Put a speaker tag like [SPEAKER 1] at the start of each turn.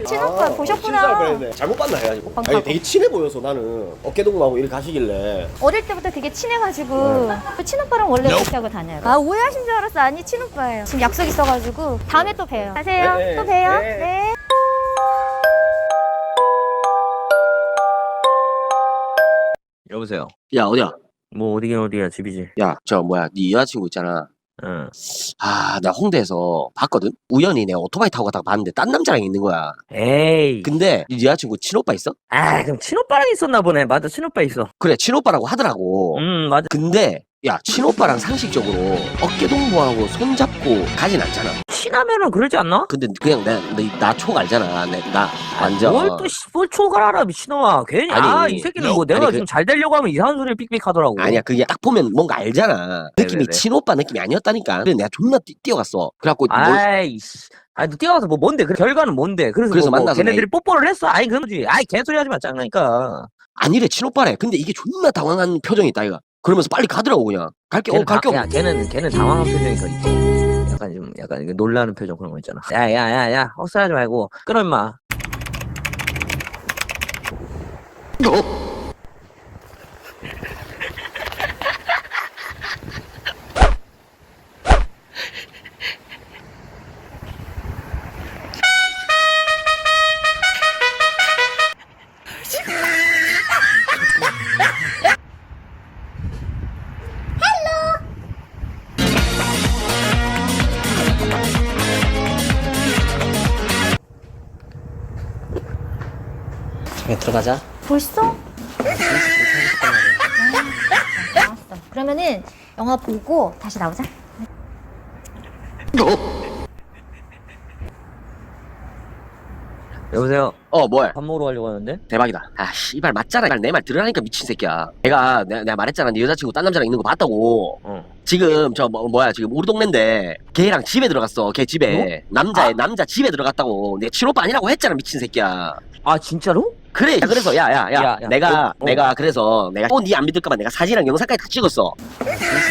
[SPEAKER 1] 친오빠 보셨구나.
[SPEAKER 2] 진짜 잘못 봤나 해가지고.
[SPEAKER 1] 방금.
[SPEAKER 2] 아니 되게 친해 보여서 나는 어깨동무하고 이렇게 가시길래.
[SPEAKER 1] 어릴 때부터 되게 친해가지고 그 친오빠랑 원래 같이 하고 다녀요. 아 오해하신 줄 알았어. 아니 친오빠예요. 지금 약속 있어가지고 다음에 또 봬요. 가세요.
[SPEAKER 2] 네,
[SPEAKER 1] 또 봬요.
[SPEAKER 2] 네.
[SPEAKER 1] 네.
[SPEAKER 3] 여보세요.
[SPEAKER 2] 야 어디야?
[SPEAKER 3] 뭐 어디긴 어디야, 집이지.
[SPEAKER 2] 야 저 뭐야 네 여자친구 있잖아.
[SPEAKER 3] 응.
[SPEAKER 2] 아 나 홍대에서 봤거든. 우연히 내가 오토바이 타고 가다가 봤는데 딴 남자랑 있는 거야.
[SPEAKER 3] 에이.
[SPEAKER 2] 근데 네 여자친구 친오빠 있어?
[SPEAKER 3] 아, 그럼 친오빠랑 있었나 보네. 맞아, 친오빠 있어.
[SPEAKER 2] 그래 친오빠라고 하더라고.
[SPEAKER 3] 맞아.
[SPEAKER 2] 근데 야 친오빠랑 상식적으로 어깨동무하고 손잡고 가진 않잖아.
[SPEAKER 3] 친하면은 그러지 않나?
[SPEAKER 2] 근데 그냥 나촉 알잖아. 나 완전.
[SPEAKER 3] 뭘 촉을 알아, 미친놈아. 괜히,
[SPEAKER 2] 아니,
[SPEAKER 3] 이 새끼는 뭐 내가
[SPEAKER 2] 아니,
[SPEAKER 3] 좀 잘 되려고 하면 이상한 소리를 삑삑 하더라고.
[SPEAKER 2] 아니야 그게 딱 보면 뭔가 알잖아. 느낌이
[SPEAKER 3] 네네네.
[SPEAKER 2] 친오빠 느낌이 아니었다니까. 그래 내가 존나 뛰어갔어. 그래갖고
[SPEAKER 3] 아이씨. 아니, 너 뛰어가서 뭐 뭔데? 그 결과는 뭔데? 그래서 뭐
[SPEAKER 2] 만나서
[SPEAKER 3] 걔네들이 뽀뽀를 했어? 아이, 그러지. 아이, 개소리 하지 마, 짱나니까.
[SPEAKER 2] 아니래 친오빠래. 근데 이게 존나 당황한 표정이 있다 이거. 그러면서 빨리 가더라고 그냥. 갈게 갈게.
[SPEAKER 3] 야, 걔는 당황한 표정이 더 있어. 약간 이거 놀라는 표정 그런 거 있잖아. 야, 헛소리하지 말고 끊어 임마.
[SPEAKER 2] 들어가자.
[SPEAKER 1] 벌써? 나왔어. 그러면은 영화 보고 다시 나오자.
[SPEAKER 3] 여보세요.
[SPEAKER 2] 뭐야?
[SPEAKER 3] 밥 먹으러 가려고 하는데?
[SPEAKER 2] 대박이다. 아 씨발 맞잖아. 내 말 들으라니까 미친 새끼야. 내가 말했잖아. 네 여자친구 딴 남자랑 있는 거 봤다고. 지금 뭐야 지금 우리 동네인데 걔랑 집에 들어갔어. 걔 집에 남자 집에 들어갔다고. 내 친오빠 아니라고 했잖아 미친 새끼야.
[SPEAKER 3] 아, 진짜로?
[SPEAKER 2] 그래. 그래서 야.
[SPEAKER 3] 야,
[SPEAKER 2] 내가 그래서 내가 또 니 안 믿을까봐 내가 사진이랑 영상까지 다 찍었어.